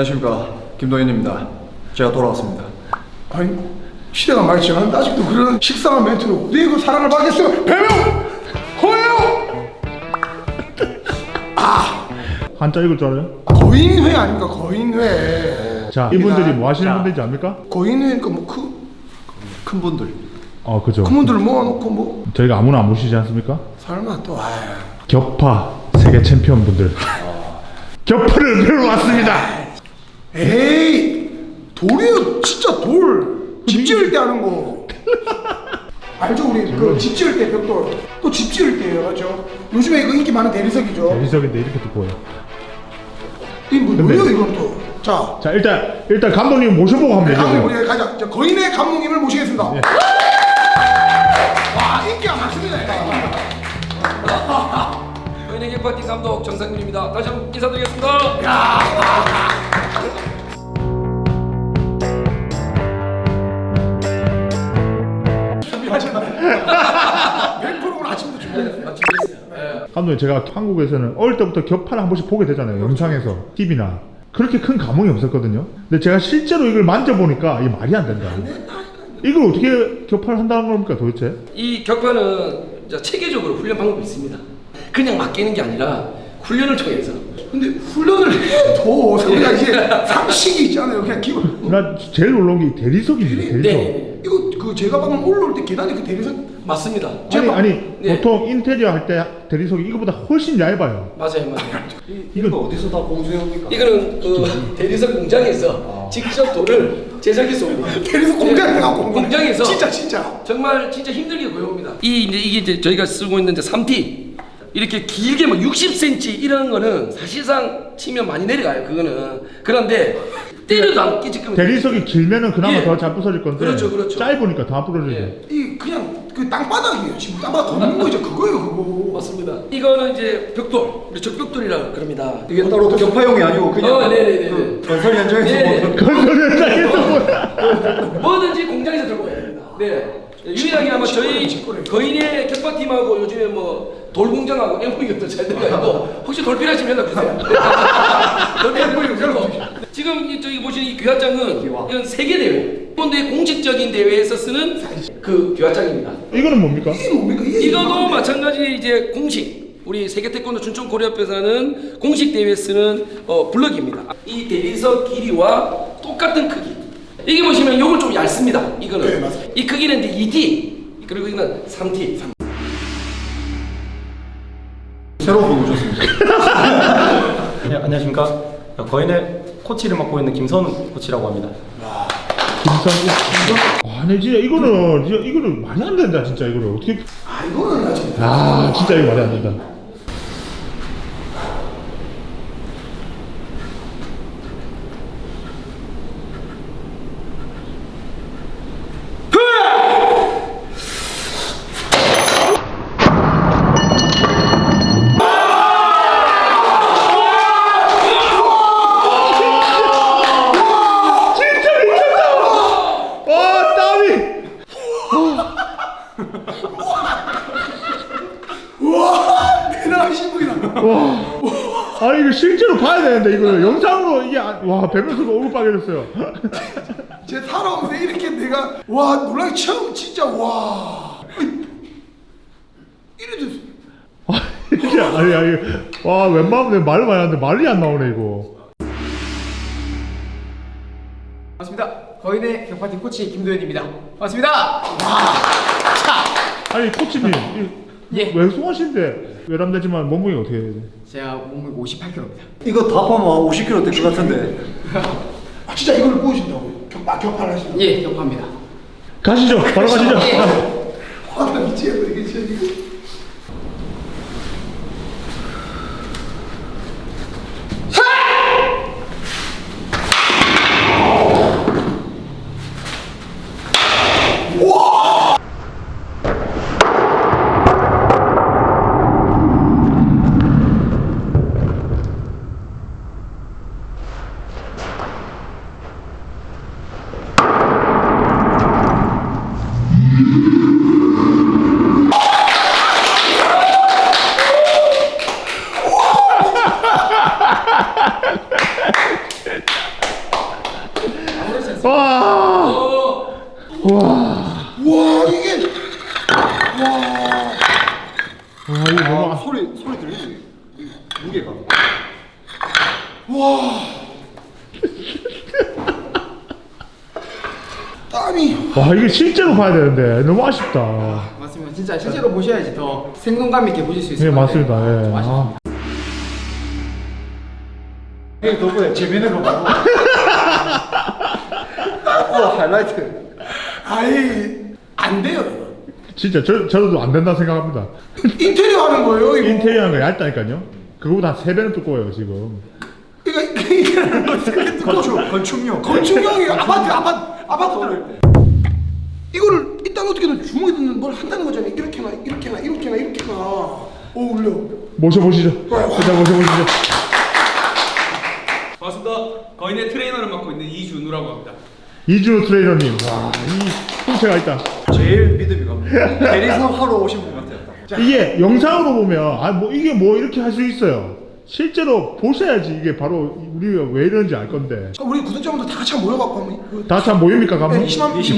안녕하십니까, 김동현입니다. 제가 돌아왔습니다. 아니 시대가 많이 지났는데 아직도 그런 식상한 멘트로 네 그 사랑을 받겠어 배명 허예요. 한자 읽을 줄 알아요? 거인회 아닙니까 거인회. 자, 이분들이 뭐 하시는 분들인지 압니까? 거인회니까 뭐 큰 분들. 그죠. 큰 분들을 모아놓고 뭐 저희가 아무나 안 모시지 않습니까? 설마 또 격파 세계 챔피언 분들. 격파를 배우러 왔습니다. 에이 돌이요 진짜 돌 집 지을 때 하는 거 알죠 우리 그 집 지을 때 벽돌 또 집 지을 때예요 맞죠? 요즘에 이거 인기 많은 대리석이죠. 대리석인데 이렇게 또 보여. 이 뭐예요 이건 또. 자 일단 감독님 모셔보고 한번 감독님 얘기해요. 우리 가자. 저 거인의 감독님을 모시겠습니다. 네. 와 인기가 많습니다. 거인의 격파팀 감독 정상균입니다. 다시 한번 인사드리겠습니다. 100%는 아침부터 준비했어요. 감독님 제가 한국에서는 어릴 때부터 격파를 한 번씩 보게 되잖아요. 영상에서 TV나. 그렇게 큰 감흥이 없었거든요. 근데 제가 실제로 이걸 만져보니까 이게 말이 안 된다. 이걸 어떻게 격파를 한다는 겁니까 도대체? 이 격파는 체계적으로 훈련 방법이 있습니다. 그냥 맡기는 게 아니라 훈련을 통해서. 근데 훈련을 해도 우리가 이제 상식이 있잖아요. 그냥 기본. 나 제일 놀라운 게 대리석입니다. 대리석. 네. 이거 그 제가 방금 올라올 때 계단에 그 대리석 맞습니다. 아니 네. 보통 인테리어 할 때 대리석이 이거보다 훨씬 얇아요. 맞아요. 이거 어디서 다 공수해옵니까? 이거는 그 대리석 공장에서 직접 돌을 제작해서 옵니다. 대리석 공장에 가고 공장에서 진짜 정말 진짜 힘들게 구해옵니다. 이게 이제 저희가 쓰고 있는 3T 이렇게 길게 뭐 60cm 이런 거는 사실상 치면 많이 내려가요. 그거는. 그런데 때려도 안 끼지끔. 대리석이 길면은 그나마 예. 더 잘 부서질 건데 그렇죠. 짧으니까 다 부러지죠. 예. 이 그냥 그 땅바닥이에요. 지금 땅바닥 걷는 거죠. 그거예요 그거. 맞습니다. 이거는 이제 벽돌, 우리 적벽돌이라고 그럽니다. 이게 따로 격파용이 아니고 그냥 네네네. 그 건설 현장에서 네. 보는 건설 현장에서 뭐야? 뭐든지 공장에서 들고 와야 됩니다. 네. 유일하게 아마 저희 거인의 격파팀하고 요즘에 뭐 돌공장하고 MOU도 잘 들어가 있고 혹시 돌 필요하시면 연락 주세요. 돌 필요하시면 연락 주세요. 지금 저기 보시는 이 규화장은 이건 세계 대회, 일본도의 공식적인 대회에서 쓰는 그 규화장입니다. 이거는 뭡니까? 이게 뭡니까? 이게 이거도 마찬가지 이제 공식 우리 세계 태권도 춘천 고려협회에서는 공식 대회에 쓰는 블럭입니다. 이 대리석 길이와 똑같은 크기. 이게 보시면 요건 좀 얇습니다. 이거는 네, 맞습니다. 이 크기는 이제 2T 그리고 이거는 3T. 새로운 분 오셨습니다. 네, 안녕하십니까. 거인의 코치를 맡고 있는 김선우 코치라고 합니다. 아니 진짜 이거는 말이 안 된다 진짜 이거를 어떻게? 이거는 아직 진짜 이거 말이 안 된다. 대단하신 분이다. 아니 이거 실제로 봐야 되는데 이거 영상으로 이게 와 배면서가 얼굴 빨개졌어요. 제 살아오면서 이렇게 내가 와 놀라기 처음 진짜 와 이래 됐어. 이게 아니 와 웬만하면 내가 말을 많이 하는데 말이 안 나오네 이거. 반갑습니다. 거인의 격파팀 코치 김도현입니다. 반갑습니다. 아니 코치님 예. 외소하신데 외람되지만 몸무게 어떻게 해야 돼? 제가 몸무게 58kg입니다. 이거 다 포함하면 50kg 될 것 같은데. 진짜 이걸 보여준다고요? 격파를 하시는 예, 격파입니다. 가시죠. 바로 가시죠. 화나 미치겠어 이게 진짜. 아니 와 이게 실제로 봐야 되는데 너무 아쉽다. 맞습니다. 진짜 실제로 보셔야지 더 생동감 있게 보실 수 있을 예 것 같아요. 맞습니다. 예. 좀 아쉽습니다. 이게 덕분에 재밌는 거 많고. 하이라이트. 아이 안 돼요 이거. 진짜 저도 안 된다 생각합니다. 인테리어 하는 거예요 이거. 인테리어 하는 거 얇다니까요. 그거보다 한 3배는 두꺼워요 지금. 그러니까 인테리어를 어떻게 건축용. 건축용이 아파트 이거를 일단 어떻게든 주먹에 넣는 걸 한다는 거잖아요. 이렇게나 이렇게나 이렇게나 이렇게나. 오 울려. 모셔보시죠. 일단 모셔보시죠. 반갑습니다. 거인의 트레이너를 맡고 있는 이준우라고 합니다. 이준호 트레이너님. 와이 풍채가 있다. 제일 믿음이 갑니다. 대리석 하러 오신 분 같아요. 이게 영상으로 보면 아 뭐 이게 뭐 이렇게 할 수 있어요. 실제로 보셔야지 이게 바로 우리가 왜 이러는지 알 건데. 자, 우리 구독자분들 다 같이 한번 모여갖고 한번 그 다 같이 모입니까 가면? 20만 우리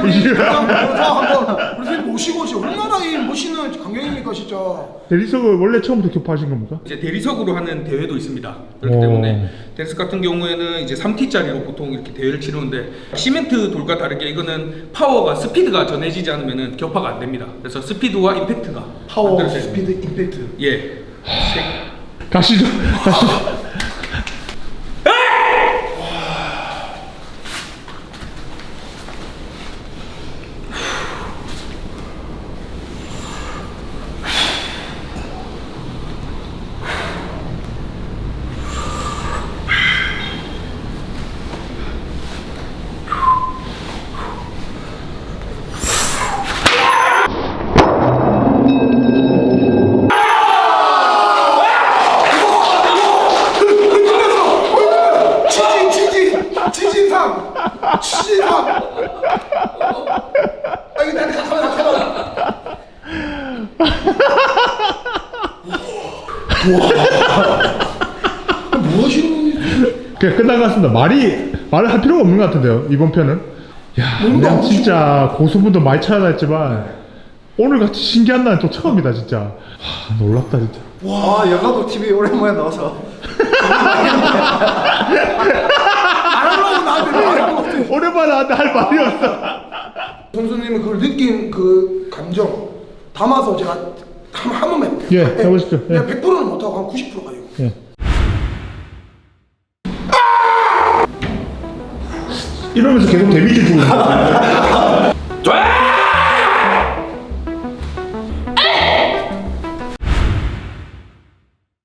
한번 우리 선생님 모시고 진짜 얼마나 이 멋있는 광경입니까 진짜. 대리석을 원래 처음부터 격파하신 겁니까? 이제 대리석으로 하는 대회도 있습니다. 그렇기 오. 때문에 대리석 같은 경우에는 이제 3T짜리로 보통 이렇게 대회를 치르는데 시멘트 돌과 다르게 이거는 파워가 스피드가 전해지지 않으면은 격파가 안 됩니다. 그래서 스피드와 임팩트가 파워, 만들어져야 됩니다. 스피드, 임팩트. 예. 가시죠. 지진상. 아 이거 나한테 가만. 뭐 하시는 거예요? 그냥 끝난 것 같습니다. 말을 할 필요가 없는 것 같은데요 이번 편은. 야, 내가 진짜 고수분도 많이 찾아다녔지만 오늘 같이 신기한 날은 또 처음이다 진짜. 와, 놀랍다 진짜. 와, 영화도 TV 오랜만에 나와서. 안 하려고 나한테 말하는 것 같아. 오랜만에 나한테 할 말이 없어. 선수님은 그걸 느낀 그 감정 담아서 제가 한 번만 해볼게요. 예, 해보십시오. 예. 내가 100%는 못하고 한 90% 가요. 예. 이러면서 계속 데미지 주고 있는 거야.